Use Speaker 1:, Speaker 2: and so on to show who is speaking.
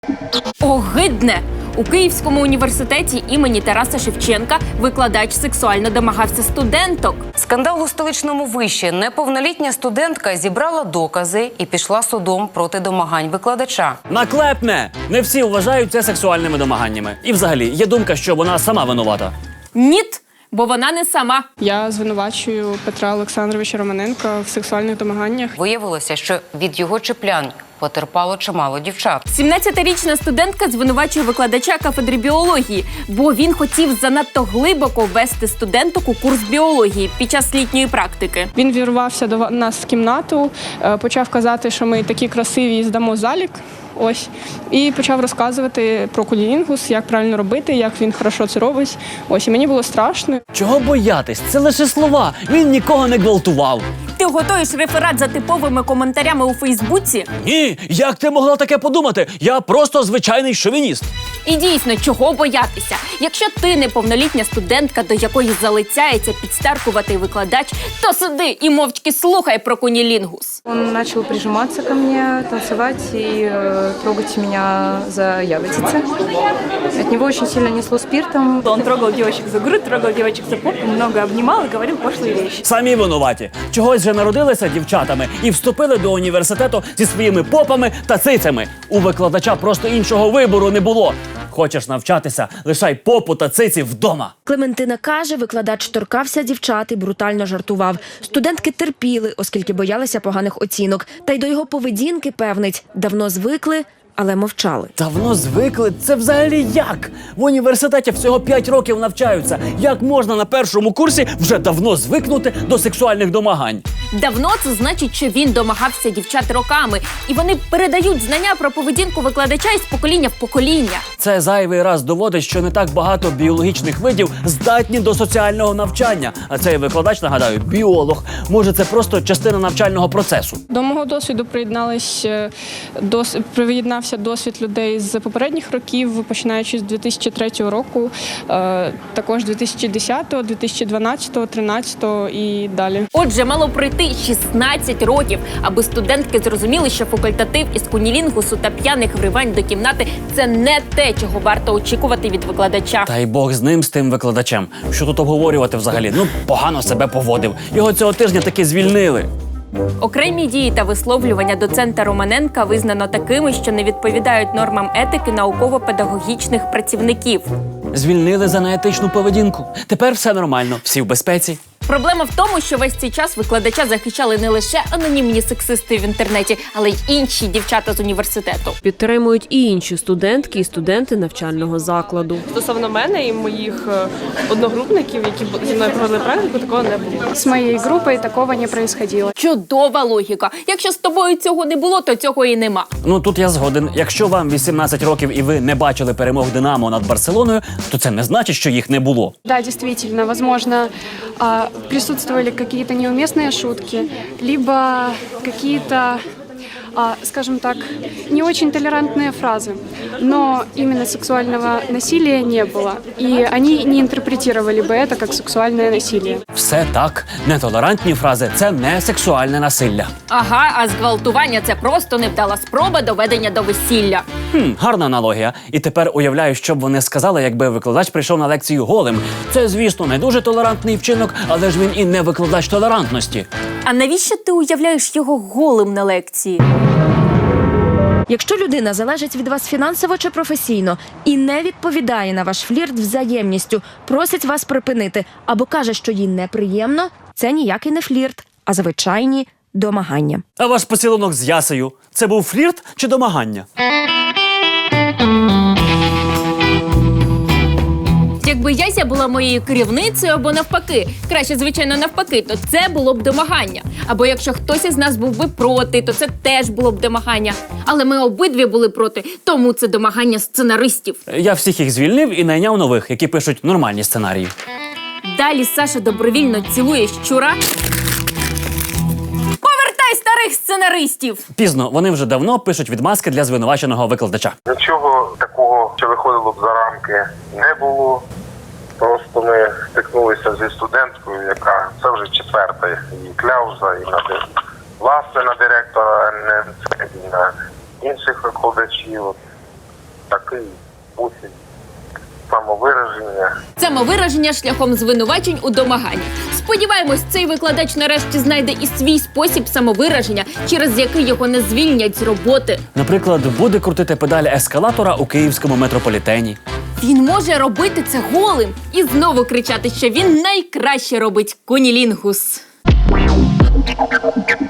Speaker 1: Огидне! У Київському університеті імені Тараса Шевченка викладач сексуально домагався студенток.
Speaker 2: Скандал у столичному виші. Неповнолітня студентка зібрала докази і пішла судом проти домагань викладача.
Speaker 3: Наклепне! Не всі вважають це сексуальними домаганнями. І взагалі, є думка, що вона сама винувата.
Speaker 1: Ніт, бо вона не сама.
Speaker 4: Я звинувачую Петра Олександровича Романенка в сексуальних домаганнях.
Speaker 2: Виявилося, що від його чіплянь потерпало чимало дівчат.
Speaker 1: 17-річна студентка звинувачує викладача кафедри біології, бо він хотів занадто глибоко ввести студенток у курс біології під час літньої практики.
Speaker 4: Він вірвався до нас в кімнату, почав казати, що ми такі красиві і здамо залік. Ось. І почав розказувати про кунілінгус, як правильно робити, як він хорошо це робить. Ось, і мені було страшно.
Speaker 3: Чого боятись? Це лише слова. Він нікого не гвалтував.
Speaker 1: Ти готуєш реферат за типовими коментарями у Фейсбуці?
Speaker 3: Ні, як ти могла таке подумати? Я просто звичайний шовініст.
Speaker 1: І дійсно, чого боятися? Якщо ти неповнолітня студентка, до якої залицяється підстаркуватий викладач, то сиди і мовчки слухай про кунілінгус.
Speaker 5: Он начал прижиматься ко мне, танцевать и трогать меня за ягодицы. От него очень сильно несло спиртом.
Speaker 6: Он трогал девочек за грудь, трогал девочек за попу, много обнимал и говорил пошлые вещи.
Speaker 3: Самі винуваті. Чогось же народилися дівчатами і вступили до університету зі своїми попами та цицями. У викладача просто іншого вибору не було. Хочеш навчатися, лишай попу та циці вдома.
Speaker 7: Клементина каже, викладач торкався дівчат і брутально жартував. Студентки терпіли, оскільки боялися поганих оцінок. Та й до його поведінки, певнить, давно звикли, але мовчали.
Speaker 3: Давно звикли? Це взагалі як? В університеті всього 5 років навчаються. Як можна на першому курсі вже давно звикнути до сексуальних домагань?
Speaker 1: Давно це значить, що він домагався дівчат роками, і вони передають знання про поведінку викладача із покоління в покоління.
Speaker 3: Це зайвий раз доводить, що не так багато біологічних видів здатні до соціального навчання. А цей викладач, нагадаю, біолог. Може, це просто частина навчального процесу.
Speaker 4: До мого досвіду приєднався досвід людей з попередніх років, починаючи з 2003 року, також 2010, 2012, 2013 і далі.
Speaker 1: Отже, мало пройти 16 років, аби студентки зрозуміли, що факультатив із кунілінгусу та п'яних вривань до кімнати – це не те, чого варто очікувати від викладача.
Speaker 3: Та й Бог з ним, з тим викладачем. Що тут обговорювати взагалі? Ну, погано себе поводив. Його цього тижня таки звільнили.
Speaker 1: Окремі дії та висловлювання доцента Романенка визнано такими, що не відповідають нормам етики науково-педагогічних працівників.
Speaker 3: Звільнили за неетичну поведінку. Тепер все нормально, всі в безпеці.
Speaker 1: Проблема в тому, що весь цей час викладача захищали не лише анонімні сексисти в інтернеті, але й інші дівчата з університету.
Speaker 8: Підтримують і інші студентки і студенти навчального закладу.
Speaker 6: Стосовно мене і моїх одногрупників, які зі мною провели практику, такого не було.
Speaker 4: З моєю групою такого не происходило.
Speaker 1: Чудова логіка. Якщо з тобою цього не було, то цього і нема.
Speaker 3: Ну, тут я згоден. Якщо вам 18 років і ви не бачили перемог «Динамо» над Барселоною, то це не значить, що їх не було.
Speaker 9: Да, действительно, возможно, присутствовали какие-то неуместные шутки, либо какие-то, скажем так, не очень толерантные фразы. Но именно сексуального насилия не было. И они не интерпретировали бы это как сексуальное насилие.
Speaker 3: Все так. Нетолерантні фрази – це не сексуальне насилля.
Speaker 1: Ага, а зґвалтування – це просто невдала спроба доведення до весілля.
Speaker 3: Гарна аналогія. І тепер уявляю, що б вони сказали, якби викладач прийшов на лекцію голим. Це, звісно, не дуже толерантний вчинок, але ж він і не викладач толерантності.
Speaker 1: А навіщо ти уявляєш його голим на лекції?
Speaker 7: Якщо людина залежить від вас фінансово чи професійно і не відповідає на ваш флірт взаємністю, просить вас припинити або каже, що їй неприємно, це ніякий не флірт, а звичайні домагання.
Speaker 3: А ваш поцілунок з Ясею – це був флірт чи домагання?
Speaker 1: Якби Яся була моєю керівницею або навпаки, краще, звичайно, навпаки, то це було б домагання. Або якщо хтось із нас був би проти, то це теж було б домагання. Але ми обидві були проти, тому це домагання сценаристів.
Speaker 3: Я всіх їх звільнив і найняв нових, які пишуть нормальні сценарії.
Speaker 1: Далі Саша добровільно цілує щура. Повертай старих сценаристів!
Speaker 3: Пізно, вони вже давно пишуть відмазки для звинуваченого викладача.
Speaker 10: Нічого такого, що виходило б за рамки, не було. Просто ми стикнулися зі студенткою, яка це вже четверта її кляуза, і власне на директора ННЦ, і на інших викладачів. такий спосіб самовираження.
Speaker 1: Самовираження шляхом звинувачень у домаганні. Сподіваємось, цей викладач нарешті знайде і свій спосіб самовираження, через який його не звільнять з роботи.
Speaker 3: Наприклад, буде крутити педалі ескалатора у київському метрополітені.
Speaker 1: Він може робити це голим і знову кричати, що він найкраще робить кунілінгус.